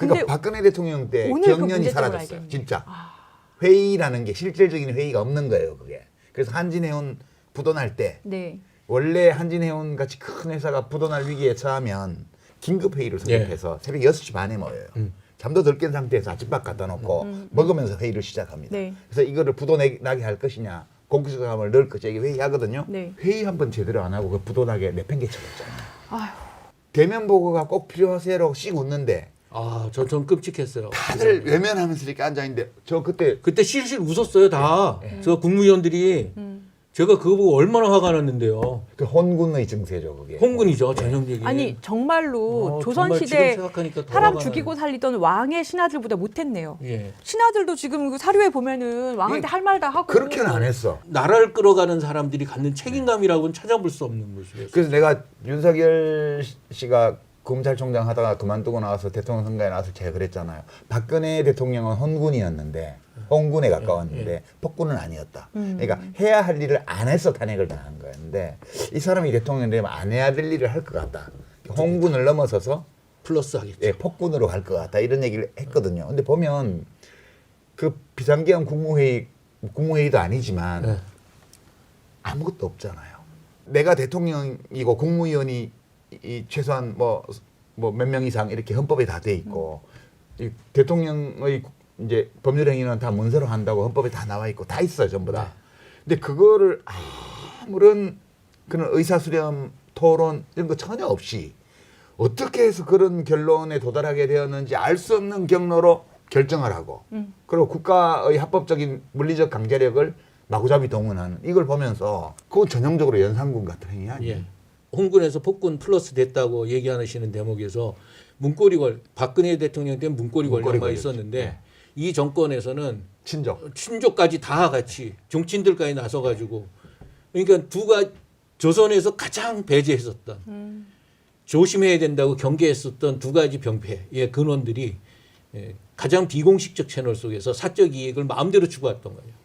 그러니까 박근혜 대통령 때 오늘 그 경련이 문제점을 사라졌어요. 알겠네. 진짜. 회의라는 게 실질적인 회의가 없는 거예요. 그게. 그래서 한진해운 부도날 때 네. 원래 한진해운 같이 큰 회사가 부도날 위기에 처하면 긴급 회의를 설립해서 새벽 6시 반에 모여요. 잠도 덜 깬 상태에서 아침밥 갖다 놓고 먹으면서 회의를 시작합니다. 네. 그래서 이거를 부도나게 할 것이냐 공수처감을 넣을 것이냐 이게 회의하거든요. 네. 회의 한 번 제대로 안 하고 그 부도나게 내팽개쳐졌잖아요. 아휴. 대면 보고가 꼭 필요하세요라고 씩 웃는데 아, 전 끔찍했어요. 다들 외면하면서 이렇게 앉아있는데 저 그때 그때 실실 웃었어요, 다. 네. 저 국무위원들이. 제가 그거 보고 얼마나 화가 났는데요. 그 혼군의 증세죠 그게. 홍군이죠, 전형적인. 아니 정말로 정말 조선시대 지금 생각하니까 더 사람 화가 죽이고 나네. 살리던 왕의 신하들보다 못했네요. 예. 신하들도 지금 그 사료에 보면은 왕한테 할 말 다 하고 그렇게는 안 했어. 나라를 끌어가는 사람들이 갖는 책임감이라고는 찾아볼 수 없는 모습이었어요. 그래서 내가 윤석열 씨가 검찰총장 하다가 그만두고 나와서 대통령 선거에 나와서 제가 그랬잖아요. 박근혜 대통령은 혼군이었는데 혼군에 가까웠는데 폭군은 아니었다. 그러니까 해야 할 일을 안 해서 탄핵을 당한 거였는데 이 사람이 대통령 되면 안 해야 될 일을 할 것 같다. 혼군을 넘어서서 플러스 하겠죠. 예, 폭군으로 갈 것 같다 이런 얘기를 했거든요. 근데 보면 그 비상기한 국무회의도 아니지만 네. 아무것도 없잖아요. 내가 대통령이고 국무위원이 이 최소한 뭐 몇 명 이상 이렇게 헌법에 다 돼 있고 이 대통령의 이제 법률 행위는 다 문서로 한다고 헌법에 다 나와 있고 다 있어요 전부 다. 근데 그거를 아무런 그런 의사수렴 토론 이런 거 전혀 없이 어떻게 해서 그런 결론에 도달하게 되었는지 알 수 없는 경로로 결정을 하고 그리고 국가의 합법적인 물리적 강제력을 마구잡이 동원하는 이걸 보면서 그건 전형적으로 연산군 같은 행위 아니에요. 예. 홍군에서 폭군 플러스 됐다고 얘기하시는 대목에서 문고리 박근혜 대통령 때는 문고리 권력만 걸렸지. 있었는데 네. 이 정권에서는 친족. 다 같이 정치인들까지 나서가지고 그러니까 조선에서 가장 배제했었던 조심해야 된다고 경계했었던 두 가지 병폐의 근원들이 가장 비공식적 채널 속에서 사적 이익을 마음대로 추구했던 거예요.